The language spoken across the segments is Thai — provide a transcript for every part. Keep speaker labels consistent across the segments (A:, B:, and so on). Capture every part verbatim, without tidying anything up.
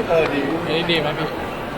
A: เออดี
B: อันนี้ดีไหมพี่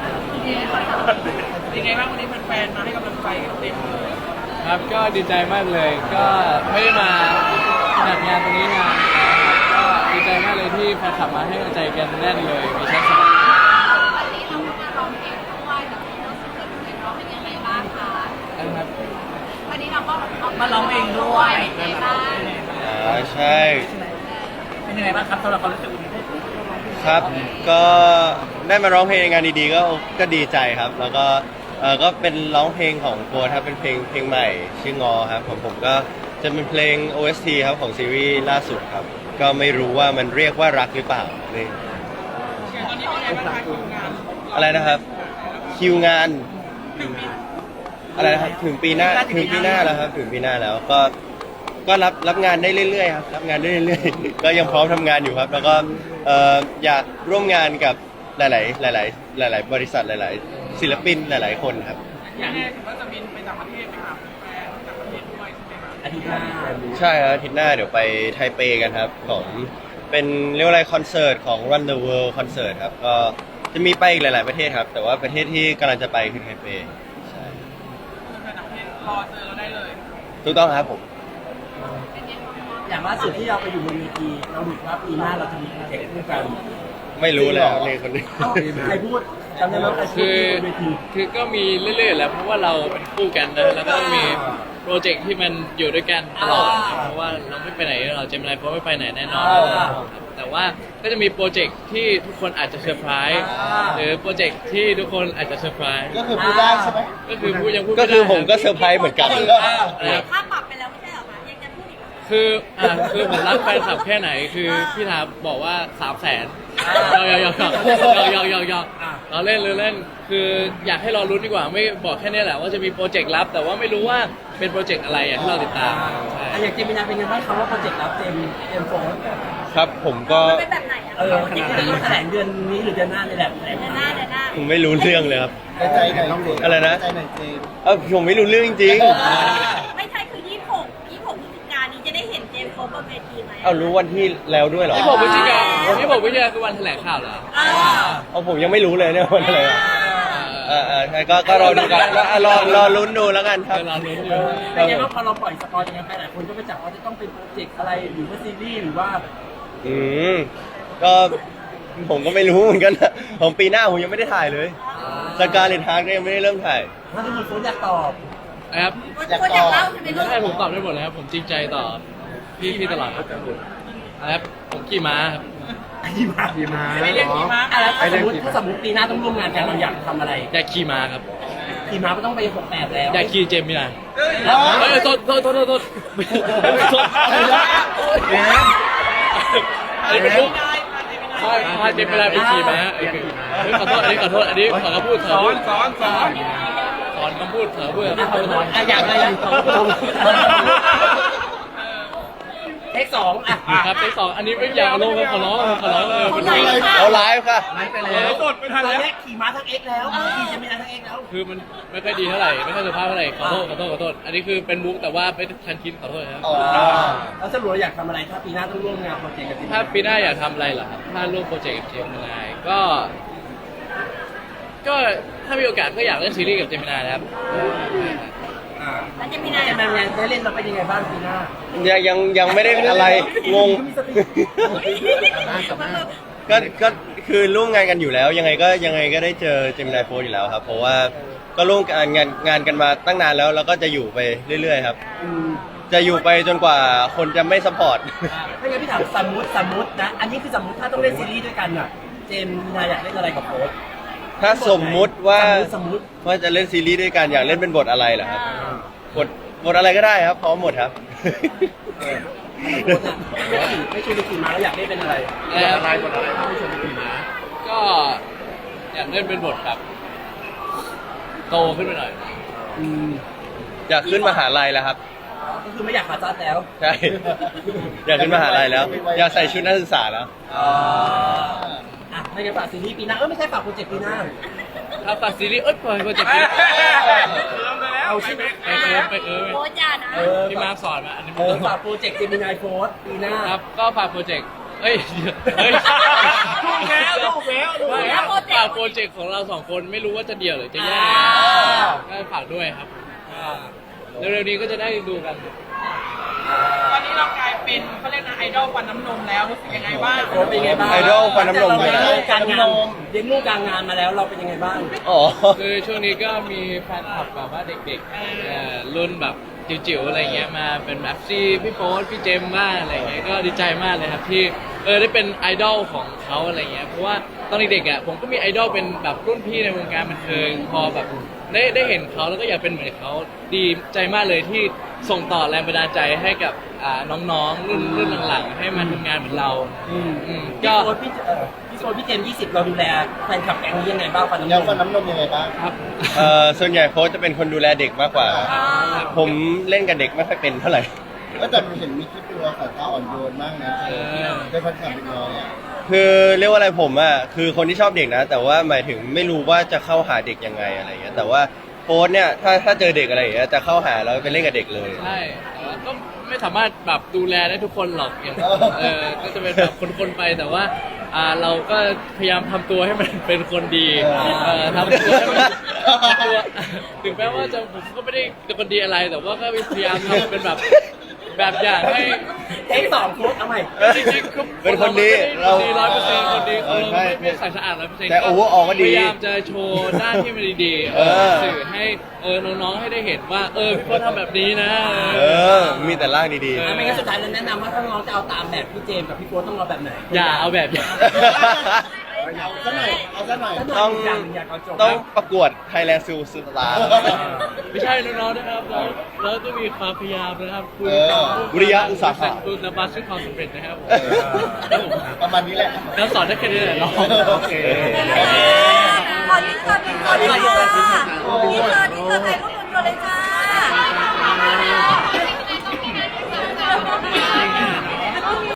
C: ยังไงบ้างวันนี้แฟนๆมาให้กำลังใจกันเต็มเลย
B: ครับก็ดีใจมากเลย ก็ไม่ได้มาจัดงานตรงนี้นานนะครับก็ดีใจมากเลยที่แฟนคลับมาให้กำลังใจกันแน่นเลยมีชั้นสอง
D: วันนี้เราก็มาร้องเพลงด้วยกับพี่น้องสุดเลยร้องเป็นยังไงบ้างคะ
B: นะครับ
D: วันนี้เราก็
C: มาร้องเองด้วย
D: เป็นยังไงบ้าง
A: อ่าใช่
C: เป็นยังไงบ้างครับสำหรับความรู้สึกวันนี้
A: ครับก็ได้มาร้องเพลงในงานดีๆก็ก็ดีใจครับ แล้วก็เออก็เป็นร้องเพลงของโฟร์ครับเป็นเพลงเพลงใหม่ชื่องอครับผมผมก็จะเป็นเพลง โอ เอส ที ครับของซีรีส์ล่าสุดครับก็ไม่รู้ว่ามันเรียกว่ารักหรือเปล่านี่
C: ตอนนี้เป็นยังไงบ้างคะคิวงาน
A: อะไรนะครับคิวงานอะไรนะครับถึงปีหน้าถึงปีหน้าแล้วครับถึงปีหน้าแล้วก็ก็รับรับงานได้เรื่อยๆครับรับงานได้เรื่อยๆก็ยังพร้อมทำงานอยู่ครับแล้วก็เอ่ออยากร่วมงานกับหลายๆหลายๆหลายๆบริษัทหลายๆศิลปินหลายๆคนครับ
C: อย่างนี้ถือว่าจะบินไปต่างประเทศไปหาแฟนต่างประเทศด้วยใช่ไหมครับอาทิตย์หน้า
A: ใช่ครับอาทิตย์หน้าเดี๋ยวไปไทเปกันครับของเป็นเรียกว่าอะไรคอนเสิร์ตของ Run the World คอนเสิร์ตครับก็จะมีไปอีกหลาย ๆประเทศครับแต่ว่าประเทศที่กำลังจะไปคือไทเปใช่
C: แฟนต่างประเทศรอเจอเราได้เลย
A: ถูกต้องครับผม
C: อย่างล่าสุดที่เราไปอยู่บนเวทีเราดูว่าปีหน้าเราจะมีโปรเจกต์ร่วมกัน
A: ไม่รู้เลยนี่คนนี้
C: ใครพูดจำได้ไหมใครพูด
B: คือคือก็มีเรื่อยๆแล้วเพราะว่าเราเป็นคู่กันนะแล้วก็ต้องมีโปรเจกต์ที่มันอยู่ด้วยกันตลอดเพราะว่าเราไม่ไปไหนเราเจมินายโฟร์ไม่ไปไหนแน่นอนแต่ว่าก็จะมีโปรเจกต์ที่ทุกคนอาจจะเซอร์ไพรส์หรือโปรเจกต์ที่ทุกคนอาจจะเซอร์ไพรส์
A: ก็คือพูดได้ใช่ไหม
B: ก็คือพูดยังพูด
A: ก็คือผมก็เซอร์ไพรส์เหมือนกัน
D: ค่าปรับไปแล้วไม่ใช่หรอคะยังจะพูดอีก
B: คืออ่าคือผมรักแฟนคลับแค่ไหนคือพี่ทาบอกว่าสามแสนยอกยอกยอกยอกยอกยอกเราเล่นหรือเล่นคืออยากให้เรารู้ดีกว่าไม่บอกแค่นี้แหละว่าจะมีโปรเจกต์ลับแต่ว่าไม่รู้ว่าเป็นโปรเจกต์อะไรอย่างที่เราติดตาม
C: อยากเจมินาเป็นยังไงบ้างคำว่าโปรเจกต์ลับเจมเจมโฟน
A: ครับผมก็
D: เป็นแบบไหนอ่ะ
C: เออขนาดนี้แถลงเดือนนี้หรือเดือนหน้านี่แหละ
D: เดือนหน้าเดือนหน้า
A: ผมไม่รู้เรื่องเลยครับ
E: ใจไหนน้องเด็ก
A: อะไรนะ
E: ใจไหนเจม
A: เออผมไม่รู้เรื่องจริง
D: ไม่ใช่คือยี่สิบหกยี่สิบหกพฤศจิกายนนี้จะได้เห็นเจมโฟบนเวทีไหม
A: เอารู้วันที่แล้วด้วยเหรอ
B: ที่บอกวิจิกาที่บอกวิจิกาคือวันแถลงข่าวเหรอ
A: เอาผมยังไม่รู้เลยเนี่ยวันอะไรเออเออใช่ก็ก็รอดูกันก็รอรอลุ้นดูแล้วกันครับ
B: รอลุ้นอยู่
C: เป็นไงบ้างพอเราปล่อยสปอยล์อย่างนั้นไปหลายคนก็ไปจับว่าจะต้องเป็นโปรเจกต์อะไรหรือว่าซีรีส์หรือว่า
A: อืมก็ผมก็ไม่รู้เหมือนกันนะของปีหน้าผมยังไม่ได้ถ่ายเลยสการ์เลตฮาร์ทก็ยังไม่ได้เริ่มถ่าย
C: ถ้าทุกคนโฟนอยากตอบ
B: ครับ
D: อยากตอบ
B: ใช่ผมตอบได้หมดเลยครับผมจริงใจต่อพี่พี่ตลอดครับครับผมขี่ม้าครับ
C: ขี่ม้าขี่ม้าไม่เรียกขี่ม้าอะไรถ้าสมมติถ้าสมมติปีหน้าต้องร่วมงานกันเราอยากทำอะไร
B: อยากขี่ม้าครับ
C: ขี่ม้าก็ต้องไปหกแปดแล้ว
B: อยากขี่เจมส์ไม่ได้เฮ้ยโทษโทษโทษโทษโทษโทษอันนี้เป็นลูกพาพาเจมส์ไม่ได้ไปขี่ม้าขอโทษอันนี้ขอโทษอันนี้ขอคำพูดสอนสอนสอนสอนคำพูดสอนพูด
C: อยากอะไรอยากเทคสองอ่ะ
B: ครับเทคสองอันนี้ไม่อยากลงขอร้องขอร้องเออเป็นไง
A: เอาไลฟ์ค่ะ
C: ไลฟ์ไปแล้วกดไปทันแล้วขี่ม้าทั้งเอ็กแล้วขี่จะไม่ได้ทั้งเอ็กแล้ว
B: คือมันไม่ค่อยดีเท่าไหร่ไม่ค่อยสุภาพเท่าไหร่ขอโทษขอโทษขอโทษอันนี้คือเป็นมุกแต่ว่าไม่ทันคิดขอโทษครับ
C: แล้วสรุปอยากทำอะไรถ้าปีหน้าต้องร่วมงานโปรเจกต์กับ
B: ถ้าปีหน้าอยากทำอะไรเหรอครับถ้าร่วมโปรเจกต์กับเจมินายก็ ก็ถ้ามีโอกาสก็อยากเล่นซีรีส์กับเจมินายนะครับ
D: แล้วเจมินาย
C: จะเป็นยังได้เล่นเราเป็นยังไงบ้างปีหน้า
A: ยังยังยังไม่ได้อะไรงงก็ก็คือร่วมงานกันอยู่แล้วยังไงก็ยังไงก็ได้เจอเจมินายโฟร์อยู่แล้วครับเพราะว่าก็ร่วมงานงานงานกันมาตั้งนานแล้วแล้วก็จะอยู่ไปเรื่อยๆครับจะอยู่ไปจนกว่าคนจะไม่ซัพพอร์ต
C: ไม่งั้นพี่ถามสมมติสมมตินะอันนี้คือสมมติถ้าต้องเล่นซีรีส์ด้วยกันอ่ะเจมินายอยากเล่นอะไรกับโฟร์
A: ถ้าสมมุติว่า
C: สมมติ
A: ว่าจะเล่นซีรีส์ด้วยกันอยากเล่นเป็นบทอะไรเหรอครับบทบทอะไรก็ได้ครับพร้อมหมดครับ
C: ไม่ชวนไปขี่ม้าแล้วอยากเล่นเป็นอะไร
B: อะไรบทอะไรถ้าไม่ชวนไปขี่ม้าก็อยากเล่นเป็นบทแบบโตขึ้นไปหน่อย
A: อยากขึ้นมหาลัยแล้วครับ
C: ก็คือไม่อยากขาจัดแล้ว
A: ใช่อยากขึ้นมหาลัยแล้วอยากใส่ชุดนักศึกษาแล้ว
C: อ่ะไม่ได้ฝากซีรีส์ปีหน้าเออไม่ใช่ฝากโปรเจกต์ปีหน้า
B: ถ้าฝากซีรีส์เอ้ยปล่อยโปรเจกต์ปีหน้า
C: เอาใช่ไหม
B: ไปเออไปเออ
D: โค้ชจ้านะ
B: พี่มาร์คสอนมาอันนี้
C: ฝากโปรเจกต์เจมินายโฟร์ปีหน้า
B: ครับก็ฝากโปรเจกต์เอ้ยเฮ้ย
C: ถูกแล้วถูกแล้วถูก
B: ไม่
C: แล้
B: คว รับฝากโปรเจกต์ของเราสองคนไม่รู้ว่าจะเดี่ยวหรือจะแยก
C: อ่า
B: ก็ฝากด้วยครับเร็วๆนี้ก็จะได้ดูกัน
E: ตอนนี้เรากลายเป็นเขาเรียกนะไอดอลฟันน้ำนมแล้วรู้สึกยังไงบ้าง
C: โอ้เป็นยังไงบ้าง
A: ไอดอลฟันน้ำนม
C: เรา
A: เล
C: เลี้
A: ย
C: ยง
A: นะ
C: ลูกกลางงานเลี้ยงลูกกลางงานมาแล้วเราเป็นยังไงบ้าง
A: อ๋อ
B: คือช่วงนี้ก็มีแฟนคลับแบบว่าเด็กๆเอ่อรุ่นแบบจิ๋วๆอะไรเงี้ยมาเป็นแบบซี่พี่โป๊ตพี่เจมส์บ้างอะไรเงี้ยก็ดีใจมากเลยครับที่เออได้เป็นไอดอลของเขาอะไรเงี้ยเพราะว่าตอนเด็กๆอ่ะผมก็มีไอดอลเป็นแบบรุ่นพี่ในวงการบันเทิงพอแบบได้ได้เห็นเขาแล้วก็อยากเป็นเหมือนเขาดีใจมากเลยที่ส่งต่อแรงบันดาลใจให้กับอ่าน้องๆรุ่นรุ่นหลังๆให้มาทำงานเหมือนเรา
C: อืม
B: อืม
C: พี่
B: ก็
C: โฟนพี่เอ่อพี่โฟนพี่เจมส์ยี่สิบเราดูแลแฟนคลับแก๊งนี้ยังไงบ้างฟันน้ำน
F: ยัง
C: ม
F: ฟันน้ำนมยังไงบ้าง
B: ครับ
A: เอ่อส่วนใหญ่โค้ชจะเป็นคนดูแลเด็กมากกว่า ผมเล่นกับเด็กไม่ค่อยเป็นเท่าไหร่
F: ก็แต่เห็นมีคลิปดูสายตาอ่อนโยนมากนะ
B: เออ
F: ได้พันคำเป็นร้อยอ่ะ
A: คือเรียกว่าอะไรผมอ่ะคือคนที่ชอบเด็กนะ แต่ว่าหมายถึงไม่รู้ว่าจะเข้าหาเด็กยังไงอะไรเงี้ยแต่ว่าโค้ชเนี่ยถ้าถ้าเจอเด็กอะไรอย่างเงี้ยจะเข้าหาแล้วไปเล่นกับเด็กเลย
B: ใช่แต่ว่าก็ไม่สามารถแบบดูแลได้ทุกคนหรอกอย่างเออก็จะเป็นแบบคนๆไปแต่ว่าอ่าเราก็พยายามทำตัวให้มันเป็นคนดีเออทำตัวให้มันทำตัวถึงแม้ว่าจะผมก็ไม่ได้เป็นคนดีอะไร แต่ว่าก็พยายามทำเป็นแบบแบบอย่างให้
C: เทคสองโค้ดเอาใหม่
B: จริงๆคือ
A: เป็นคนดี
B: เรา
A: เรา
B: ดีร้อยเปอร์เซ็นต์คนดี
A: เอ
B: เรา
A: อใช่
B: ไม่ไม่ใส่สะอาดร้อยเปอร์เซ็นต์
A: แต่ overall ก็ดี
B: พยายามจะโชว์ด้านที่มันดีๆ
A: เออ
B: สื่อให้เออน้องๆให้ได้เห็นว่าเออพี่พลทำแบบนี้นะ
A: เออ มีแต่ร่างดี
C: อ่ะไม่งั้นสุดท้ายเราแนะนำว่าถ้าน้องจะเอาตามแบบพี่เจมส์กับพี่โฟนต้องเอาแบบไหน
B: อย่าเอาแบบอย่าง
F: เอาซะหน่อยเอาซะหน่อย
A: ต้อง
C: อย่างหนึ่งอยากเอาจบ
A: ๆ ต้องประกวด Thailand Super Star
B: ไม่ใช่น้องๆนะครับเราเราต้องมีความพยายามนะครับคุณ
F: เออ
A: วิริยะอุตสาหะ
B: คุณนบัสซึ่งความสำเร็จนะครับผม
F: เออประมาณนี้แหละ
B: แล้วสอนได้แค่นี้แหละน้อง
F: โอเค